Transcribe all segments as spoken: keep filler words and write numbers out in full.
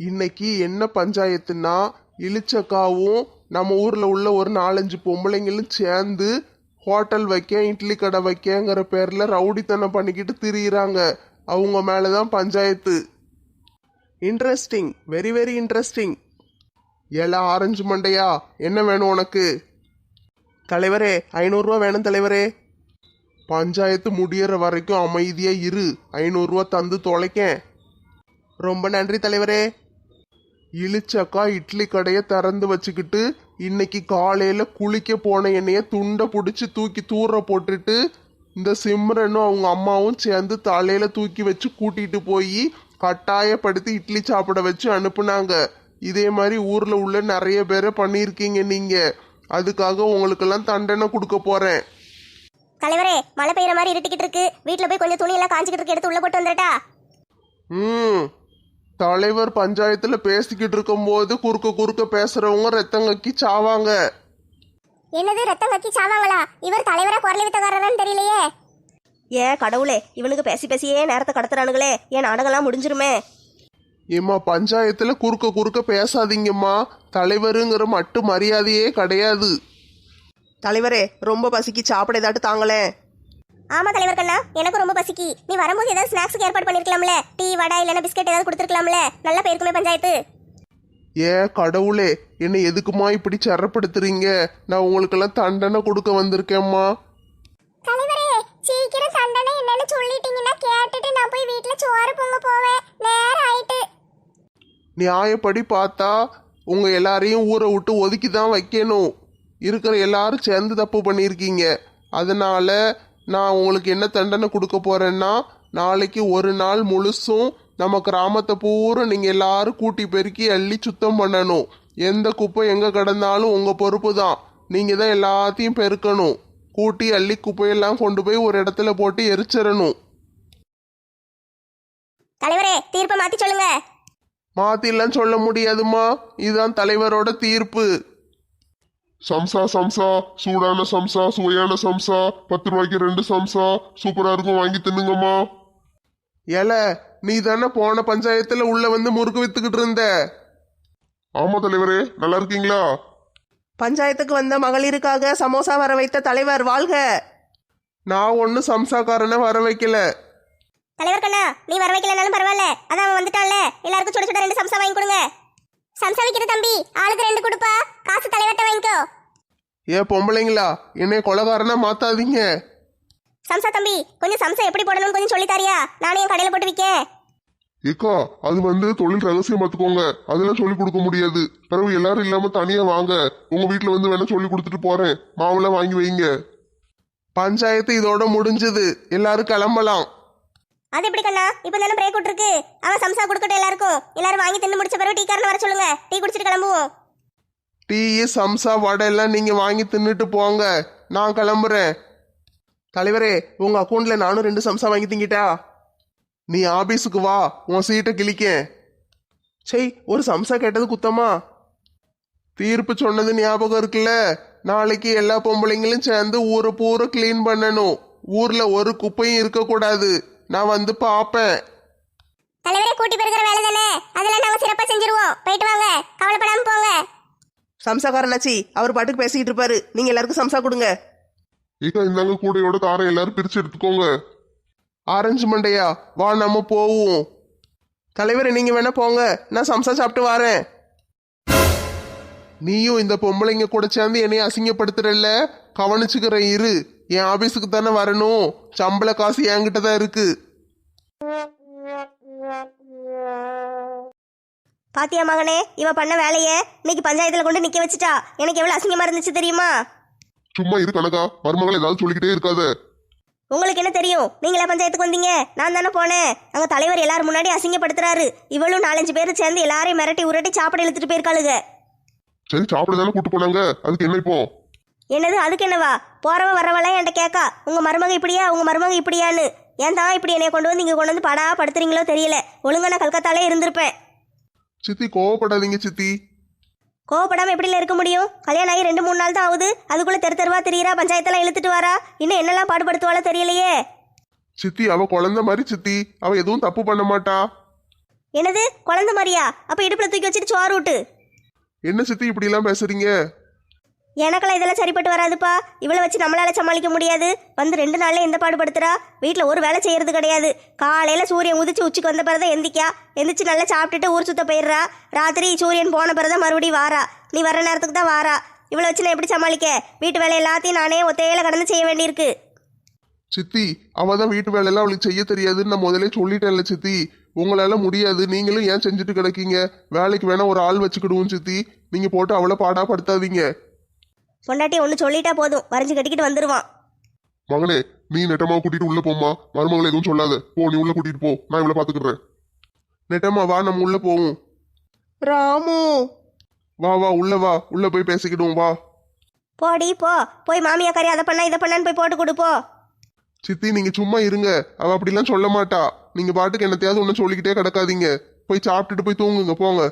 இன்னைக்கு என்ன பஞ்சாயத்துனா, இளிச்சக்காவும் நம்ம ஊர்ல உள்ள ஒரு நாலஞ்சு பொம்பளைங்களும் சேர்ந்து ஹோட்டல் வைக்க இட்லி கடை வைக்கங்கிற பேர்ல ரவுடித்தனம் பண்ணிக்கிட்டு திரியிறாங்க. அவங்க மேலதான் panchayat. Interesting, very very interesting. ஏலா ஆரஞ்சு மண்டையா, என்ன வேணும் உனக்கு? தலைவரே, ஐநூறுரூவா வேணும் தலைவரே. பஞ்சாயத்து முடியற வரைக்கும் அமைதியா இரு, ஐநூறுரூவா தந்து தொலைக்கேன். ரொம்ப நன்றி தலைவரே. இளிச்சக்கா இட்லி கடையை திறந்து வச்சுக்கிட்டு இன்னைக்கு காலையில குளிக்க போன என்னைய துண்டை பிடிச்சி தூக்கி தூர போட்டுட்டு இந்த சிம்ரனும் அவங்க அம்மாவும் சேர்ந்து தலையில தூக்கி வச்சு கூட்டிட்டு போய் கட்டாயப்படுத்தி இட்லி சாப்பிட வச்சு அனுப்புனாங்க. இதே மாதிரி ஊர்ல உள்ள நிறைய பேரை பண்ணியிருக்கீங்க நீங்க. அதுக்காக உங்களுக்கெல்லாம் தண்டனை கொடுக்க போறேன். தலைவரே, மழை பெய்யற மாதிரி இருட்டிக்கிட்டு இருக்கு. வீட்டுல போய் கொஞ்சம் துணி எல்லாம் காஞ்சிக்கிட்டு இருக்கு, எடுத்து உள்ள போட்டு வந்துட்டா. ம் தலைவர் பஞ்சாயத்துல பேசிக்கிட்டு இருக்கும் போது குறுக்க குறுக்க பேசுறவங்க ரத்தம் கக்கி சாவாங்க. என்னது ரத்தம் கக்கி சாவாங்களா? இவர் தலைவரா குரல் வித்தக்காரரான்னு தெரியலையே. ஏன் கடவுளே, இவனுக்கு பேசி பேசியே நேரத்தை கடத்துறானுங்களே. ஏன் நாடகம்லாம் முடிஞ்சிருமே. ஏம்மா, பஞ்சாயத்துல குறுக்க குறுக்க பேசாதீங்கம்மா. தலைவருங்கிற மட்டும் மரியாதையே கிடையாது. தலைவரே, ரொம்ப பசிக்கு சாப்பிட ஏதாட்டு தாங்களே. ஆமா தலைவர் கண்ணா, எனக்கு ரொம்ப பசிக்கு. நீ வரும்போது ஏதாவது ஸ்நாக்ஸ்க்கு ஏற்பாடு பண்ணிருக்கலாம்ல. டீ, வடை இல்லைன்னா பிஸ்கெட் ஏதாவது கொடுத்துருக்கலாம்ல. நல்லா போயிருக்குமே பஞ்சாயத்து. ஏ கடவுளே, என்னை எதுக்குமா இப்படி சிறப்படுத்துறீங்க? நான் உங்களுக்கெல்லாம் தண்டனை கொடுக்க வந்திருக்கேம்மா. தலைவரே, சீக்கிரம் தண்டனை என்னன்னு சொல்லிட்டீங்கன்னா கேட்டுட்டு நான் போய் வீட்டுல சோறு பொங்க போவேன். நேரம் ஆயிட்டு. நியாயப்படி பார்த்தா உங்க எல்லாரையும் ஊரை விட்டு ஒதுக்கி தான் வைக்கணும். இருக்கிற எல்லாரும் சேர்ந்து தப்பு பண்ணியிருக்கீங்க. அதனால நான் உங்களுக்கு என்ன தண்டனை கொடுக்க போறேன்னா, நாளைக்கு ஒரு நாள் முழுசும் நம்ம கிராமத்தை பூரா நீங்க எல்லாரும் கூட்டி பெருக்கி அள்ளி சுத்தம் பண்ணணும். எந்த குப்பை எங்க கிடந்தாலும் உங்க பொறுப்பு தான். நீங்க தான் எல்லாத்தையும் பெருக்கணும். கூட்டி அள்ளி குப்பையெல்லாம் கொண்டு போய் ஒரு இடத்துல போட்டு எரிச்சிடணும். தலைவரே, தீர்ப்பை மாத்தி சொல்லுங்க. மாத்திலாம் சொல்ல முடியாதுமா, இதுதான் தலைவரோட தீர்ப்பு. சம்சா சம்சா, சூடான சம்சா, சுவையான சம்சா, பத்து ரூபாய்க்கு ரெண்டு சம்சா, சூப்பரா இருக்கும், வாங்கி தின்னுங்கம்மா. ஏல, நீ தானே போன பஞ்சாயத்துல உள்ள வந்து முறுக்கு வித்துக்கிட்டு இருந்த? ஆமா தலைவரே, நல்லா இருக்கீங்களா? பஞ்சாயத்துக்கு வந்த மகளிருக்காக சமோசா வர வைத்த தலைவர் வாழ்க. நான் ஒன்னும் சம்சாக்காரனை வர வைக்கல. தலைவர் கண்ணா, நீ வர வைக்கலனாலும் பரவாயில்ல. அதான் அவன் வந்துட்டான்ல, எல்லாருக்கும் சுட சுட ரெண்டு சம்சா வாங்கி கொடுங்க. சம்சா விக்கிற தம்பி, ஆளுக்கு ரெண்டு கொடுப்பா. காசு தலைவர்கிட்ட வாங்கிக்கோ. ஏ பொம்பளைங்களா, என்னை கொலகாரனா மாத்தாதீங்க. சம்சா தம்பி, கொஞ்சம் சம்சா எப்படி போடணும்னு கொஞ்சம் சொல்லி தாரியா? நானே என் கடையில போட்டு விற்கேன். ஏக்கா, அது வந்து தொழில் ரகசியம் பார்த்துக்கோங்க. அதெல்லாம் சொல்லி கொடுக்க முடியாது. பிறகு எல்லாரும் இல்லாம தனியா வாங்க. உங்க வீட்டுல வந்து வேணா சொல்லி கொடுத்துட்டு போறேன். மாவுலாம் வாங்கி வைங்க. பஞ்சாயத்து இதோட முடிஞ்சது. எல்லாரும் கிளம்பலாம். அது எப்படி கண்ணா, இப்ப தானே பிரேக் விட்டுருக்கு. அவன் சம்சா கொடுக்கட்டும் எல்லாருக்கும். எல்லாரும் வாங்கி தின்னு முடிச்ச பிறகு டீ காரனை வர சொல்லுங்க. டீ குடிச்சிட்டு கிளம்புவோம். டீ, சம்சா, வடை எல்லாம் நீங்க வாங்கி தின்னுட்டு போங்க. நான் கிளம்புறேன். தலைவரே, உங்க அக்கௌண்ட்ல நானும் ரெண்டு சம்சா வாங்கி திங்கிட்டா. நீ ஆபீஸுக்கு வா, உன் சீட்டை கிளிக்க. சரி, ஒரு சம்சா கேட்டது குத்தமா? தீர்ப்பு சொன்னது ஞாபகம் இருக்குல்ல? நாளைக்கு எல்லா பொம்பளைங்களும் சேர்ந்து ஊரை பூரா கிளீன் பண்ணணும். ஊர்ல ஒரு குப்பையும் இருக்கக்கூடாது. நான் வந்து பாப்பேன். தலைவரே, கூட்டி பெருக்கிற வேலை தானே, அதெல்லாம் நாங்க சிறப்பா செஞ்சிருவோம். போயிட்டு வாங்க, கவலைப்படாம போங்க. சம்சாக்காரனாச்சி, அவர் பாட்டுக்கு பேசிக்கிட்டு இருப்பாரு. நீங்க எல்லாருக்கும் சம்சா கொடுங்க. ஏக்கா, இந்தாங்க கூடையோட காரை எல்லாரும் பிரிச்சு எடுத்துக்கோங்க. ஆரஞ்சு மண்டையா, வா நம்ம போவோம். தலைவரே, நீங்க வேணா போங்க, நான் சம்சா சாப்பிட்டு வரேன். நீயும் இந்த பொம்பளைங்க கூட சேர்ந்து என்னைய அசிங்கப்படுத்துறல்ல, கவனிச்சுக்கிறேன் இரு. என் ஆபீஸுக்கு தானே வரணும். சம்பள காசு என்கிட்ட தான் இருக்கு. பாத்தியா மகனே, இவ பண்ண வேலைய இன்னைக்கு பஞ்சாயத்துல கொண்டு நிக்க வச்சுட்டா. எனக்கு எவ்வளவு அசிங்கமா இருந்துச்சு தெரியுமா? சும்மா இரு கனகா, மருமகள் ஏதாவது சொல்லிக்கிட்டே இருக்காத. உங்களுக்கு என்ன தெரியும்? நீங்களா பஞ்சாயத்துக்கு வந்தீங்க? நான் தானே போனேன். அங்க தலைவர் எல்லாரும் முன்னாடி அசிங்கப்படுத்துறாரு. இவளும் நாலஞ்சு பேர் சேர்ந்து எல்லாரையும் மிரட்டி உரட்டி சாப்பிட இழுத்துட்டு போயிருக்காளுங்க. சரி, சாப்பிட தானே கூட்டு போனாங்க, அதுக்கு என்ன இப்போ? என்னது அதுக்கு என்னவா? போறவ வரவெல்லாம் என்கிட்ட கேட்கா, உங்க மருமக இப்படியா, உங்க மருமக இப்படியான்னு. ஏன் தான் இப்படி என்னைய கொண்டு வந்து இங்க கொண்டு வந்து படா படுத்துறீங்களோ தெரியல. ஒழுங்கா நான் கல்கத்தாலே இருந்திருப்பேன். சித்தி, கோவப்படாதீங்க சித்தி. கோவப்படாம எப்படில இருக்க முடியும்? கல்யாணம் ஆகி ரெண்டு மூணு நாள் தான் ஆகுது. அதுக்குள்ள தெரு தெருவா தெரியுறா, பஞ்சாயத்தெல்லாம் இழுத்துட்டு வரா. இன்னும் என்னெல்லாம் பாடுபடுத்துவாளோ தெரியலையே. சித்தி, அவ குழந்தை மாதிரி சித்தி. அவ எதுவும் தப்பு பண்ண மாட்டா. என்னது குழந்தை மாதிரியா? அப்ப இடுப்புல தூக்கி வச்சுட்டு சோறு விட்டு. என்ன சித்தி இப்படி எல்லாம் பேசுறீங்க? எனக்கெல்லாம் இதெல்லாம் சரிப்பட்டு வராதுப்பா. இவளை வச்சு நம்மளால சமாளிக்க முடியாது. வந்து ரெண்டு நாள்ல எந்த பாடுபடுத்துறா. வீட்டில் ஒரு வேலை செய்யறது கிடையாது. காலையில சூரியன் உதிச்சு உச்சிக்கு வந்த பிறதான் எந்திக்கா. எந்திரிச்சு நல்லா சாப்பிட்டுட்டு ஊர் சுத்த போயிடுறா. ராத்திரி சூரியன் போன பிறதான் மறுபடியும் வாரா. நீ வர நேரத்துக்கு தான் வாரா. இவளை வச்சு நான் எப்படி சமாளிக்க? வீட்டு வேலை எல்லாத்தையும் நானே ஒத்தையில கடந்து செய்ய வேண்டியிருக்கு. சித்தி அவ தான் வீட்டு வேலையெல்லாம் அவளுக்கு செய்ய தெரியாதுன்னு நான் முதலே சொல்லிட்டேன்ல சித்தி. உங்களால முடியாது, நீங்களும் ஏன் செஞ்சுட்டு கிடக்கீங்க? வேலைக்கு வேணா ஒரு ஆள் வச்சுக்கிடுவோம் சித்தி. நீங்க போட்டு அவளை பாடா படுத்தாதீங்க. பொண்டாட்டி ஒன்று சொல்லிட்டா போதும், வரைஞ்சு கட்டிக்கிட்டு வந்துடுவான். மகனே, நீ நெட்டமாவை கூட்டிட்டு உள்ள போம்மா. மருமகளை எதுவும் சொல்லாத. போ, நீ உள்ள கூட்டிட்டு போ. நான் இவ்வளவு பாத்துக்கிறேன். நெட்டம்மா வா, நம்ம உள்ள போவோம். ராமு வா வா உள்ள வா, உள்ள போய் பேசிக்கிடுவோம் வா. போடி போ. போய் மாமியாக்காரி அதை பண்ணா இதை பண்ணான்னு போய் போட்டு கொடுப்போ. சித்தி நீங்க சும்மா இருங்க, அவ அப்படிலாம் சொல்ல மாட்டா. நீங்க பாட்டுக்கு என்னத்தையாவது ஒன்றும் சொல்லிக்கிட்டே கிடக்காதீங்க. போய் சாப்பிட்டுட்டு போய் தூங்குங்க போங்க.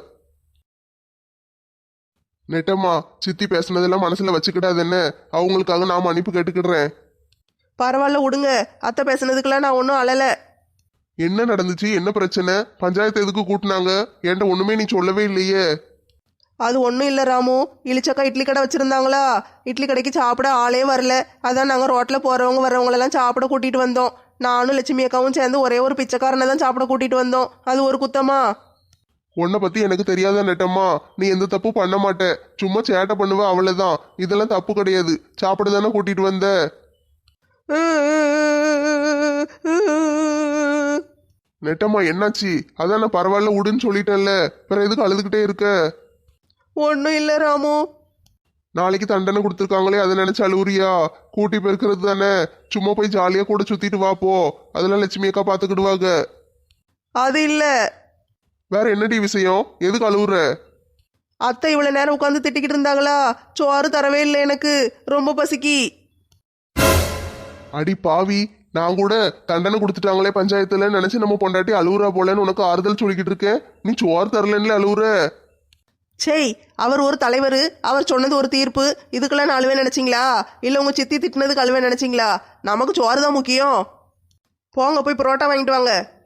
நெட்டம்மா, சித்தி பேசுனதெல்லாம் மனசுல வச்சுக்கிடாது என்ன? அவங்களுக்காக நான் மன்னிப்பு கேட்டுக்கிடுறேன். பரவாயில்ல விடுங்க. அத்தை பேசுனதுக்கெல்லாம் நான் ஒன்றும் அழலை. என்ன நடந்துச்சு? என்ன பிரச்சனை? பஞ்சாயத்து எதுக்கு கூட்டினாங்க? என்கிட்ட ஒண்ணுமே நீ சொல்லவே இல்லையே. அது ஒன்றும் இல்லை ராமு. இளிச்சக்கா இட்லி கடை வச்சுருந்தாங்களா, இட்லி கடைக்கு சாப்பிட ஆளே வரல. அதான் நாங்கள் ரோட்டில் போகிறவங்க வர்றவங்களெல்லாம் சாப்பிட கூட்டிகிட்டு வந்தோம். நானும் லட்சுமி அக்காவும் சேர்ந்து ஒரே ஒரு பிச்சைக்காரனை தான் சாப்பிட கூட்டிகிட்டு வந்தோம். அது ஒரு குத்தமா? உன்னை பத்தி எனக்கு தெரியாத நெட்டம்மா. நீ எந்த தப்பு பண்ண மாட்ட, சும்மா சேட்டை பண்ணுவ அவ்வளவுதான். இதெல்லாம் தப்பு கிடையாது. சாப்பிட தானே கூட்டிட்டு வந்த. நெட்டம்மா என்னாச்சு? அதான் நான் பரவாயில்ல விடுன்னு சொல்லிட்டேன்ல, வேற எதுக்கு அழுதுகிட்டே இருக்க? ஒன்றும் இல்லை ராமு. நாளைக்கு தண்டனை கொடுத்துருக்காங்களே அதை நினைச்சு அழுவுறியா? கூட்டி பெருக்கிறது தானே, சும்மா போய் ஜாலியா கூட சுத்திட்டு வா போ. அதெல்லாம் லட்சுமி அக்கா பாத்துக்கிடுவாங்க. அது இல்லை. வேற என்னடி விஷயம்? எதுக்கு அழுவுற? அத்தை இவ்வளோ நேரம் உட்காந்து திட்டிக்கிட்டு இருந்தாங்களா, சோறு தரவே இல்லை எனக்கு, ரொம்ப பசிக்கி. அடி பாவி, நான் கூட தண்டனை கொடுத்துட்டாங்களே பஞ்சாயத்துல நினைச்சு நம்ம பொண்டாட்டி அழுவுறா போலன்னு உனக்கு ஆறுதல் சொல்லிக்கிட்டு இருக்கேன். நீ சோறு தரலன்னு அழுவுற. சரி, அவர் ஒரு தலைவர், அவர் சொன்னது ஒரு தீர்ப்பு. இதுக்கெல்லாம் நான் அழுவே நினைச்சிங்களா? இல்லை உங்க சித்தி திட்டினதுக்கு அழுவே நினைச்சிங்களா? நமக்கு சோறு தான் முக்கியம். போங்க போய் புரோட்டா வாங்கிட்டு வாங்க.